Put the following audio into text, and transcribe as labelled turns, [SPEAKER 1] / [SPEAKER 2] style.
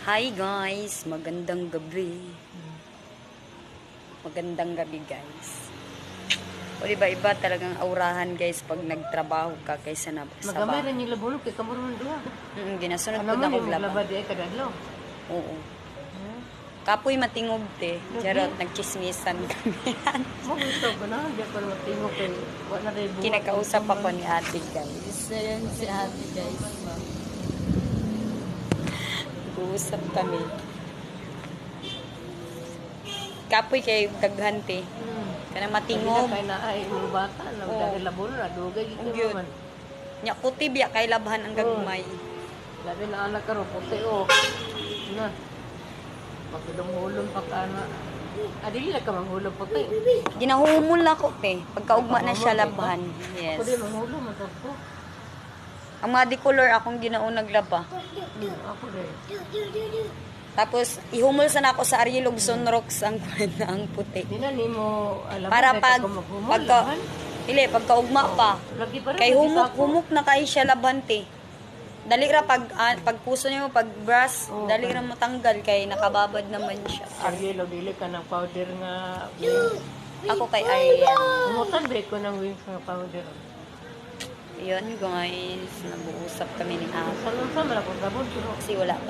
[SPEAKER 1] Hi guys, magandang gabi. Magandang gabi guys. O diba iba talagang aurahan guys pag nagtrabaho ka kaysa na sa
[SPEAKER 2] Magamay
[SPEAKER 1] bahay.
[SPEAKER 2] rin yung labulog kay kamuron duha.
[SPEAKER 1] Ginasunod ko
[SPEAKER 2] Ano
[SPEAKER 1] na
[SPEAKER 2] man
[SPEAKER 1] kog
[SPEAKER 2] yung
[SPEAKER 1] laba.
[SPEAKER 2] maglaba di ay kadadlo.
[SPEAKER 1] Oo. Kapoy matingog te. Jarot nagchismisan kami.
[SPEAKER 2] Mo gusto ko na di ko matingog kay wala rin buhat.
[SPEAKER 1] Kinakausap ako ni ate guys. Ayan si ate guys. Nag-uusap kami. Kapoy kay daghante. Kanang matingog.
[SPEAKER 2] Kay na ay mga bata na
[SPEAKER 1] Oo.
[SPEAKER 2] dahil labulog na dugay
[SPEAKER 1] Ang
[SPEAKER 2] gito
[SPEAKER 1] cute.
[SPEAKER 2] man.
[SPEAKER 1] Nya kutib ya kay labhan ang gagmay.
[SPEAKER 2] Labi na anak ka ro puti o. Na. Pagdumulon pa ka na. Adili na ka manghulog puti.
[SPEAKER 1] Ginahumol ako te. Pagkaugma na siya labhan. Yes.
[SPEAKER 2] Ako din manghulog matag ko.
[SPEAKER 1] Ang mga color akong ginaunag laba.
[SPEAKER 2] Ako din.
[SPEAKER 1] Tapos ihumol sana ako sa Ariel Lugson Rocks ang ang puti.
[SPEAKER 2] Di na nimo alam
[SPEAKER 1] Para pagkaugma pa.
[SPEAKER 2] Lagi pa rin.
[SPEAKER 1] Kay humuk na kay siya labhan te. Dali ra pag puso niyo pag brush, dali ra matanggal kay nakababad naman siya.
[SPEAKER 2] Ariel, dili ka ng powder nga.
[SPEAKER 1] Ako kay Ariel.
[SPEAKER 2] Umutan break ko ng wings nga powder.
[SPEAKER 1] Yun guys, nag-uusap kami ni Ate.
[SPEAKER 2] Salon sa malapot gabon.
[SPEAKER 1] Kasi wala